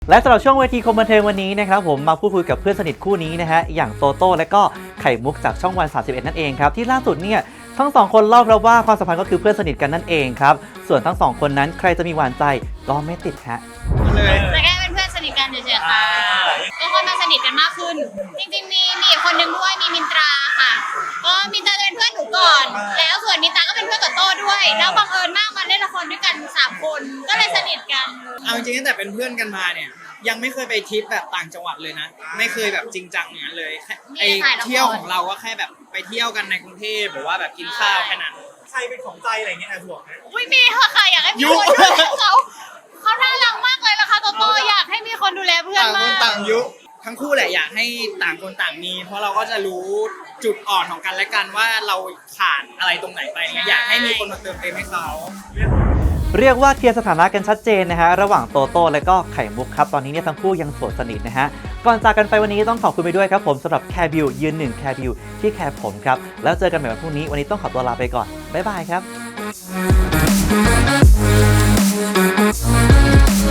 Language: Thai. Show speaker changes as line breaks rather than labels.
และสำหรับช่วงเวทีคมบันเทิงวันนี้นะครับผมมาพูดคุยกับเพื่อนสนิทคู่นี้นะฮะอย่างโตโต้และก็ไข่มุกจากช่องวัน31นั่นเองครับที่ล่าสุดเนี่ยทั้งสองคนเล่าครับว่าความสัมพันธ์ก็คือเพื่อนสนิทกันนั่นเองครับส่วนทั้งสองคนนั้นใครจะมีหวานใจก็ไม่ติดฮะ
แต่แค่เป็นเพื่อนสนิทกันเฉยๆค่ะก็ค่อยมาสนิทกันมากขึ้นจริงๆมีอีกคนนึงด้วยมีมินตราค่ะก็มินตราเป็นเพื่อนหนูก่อนแล้วส่วนมินตราก็เป็นเพื่อนกับโต้ด้วยแล้วบังเอิญมากมาเล่นละครด้วยกัน3คนก็เลยสนิทกัน
เอาจริงๆตั้งแต่เป็นเพื่อนกันมาเนี่ยยังไม่เคยไปทริปแบบต่างจังหวัดเลยนะไม่เคยแบบจริงจังอย่างนั้นเลยไอเที่ยวของเราก็แค่แบบไปเที่ยวกันในกรุงเทพหรือว่าแบบกินข้าวแค่นั้น
ใครเป็นของใจอะไรเงี้ยห่วงไหม
อุ้ยมีค่ะอยากให้มีคนดูแลเขาน่ารักมากเลยนะคะโตโต้อยากให้มีคนดูแลเพื่อนมาก
ต่างยุทั้งคู่แหละอยากให้ต่างคนต่างมีเพราะเราก็จะรู้จุดอ่อนของกันและกันว่าเราขาดอะไรตรงไหนไปอยากให้มีคนมาเติมเต็มให้เขา
เรียกว่าเคลียร์สถานะกันชัดเจนนะฮะระหว่างโตโต้และก็ไข่มุกครับตอนนี้เนี่ยทั้งคู่ยังโสดสนิทนะฮะก่อนจากกันไปวันนี้ต้องขอบคุณไปด้วยครับผมสำหรับแคร์บิวยืนหนึ่งแคร์บิวที่แคร์ผมครับแล้วเจอกันใหม่วันพรุ่งนี้วันนี้ต้องขอตัวลาไปก่อนบ๊ายบายครับ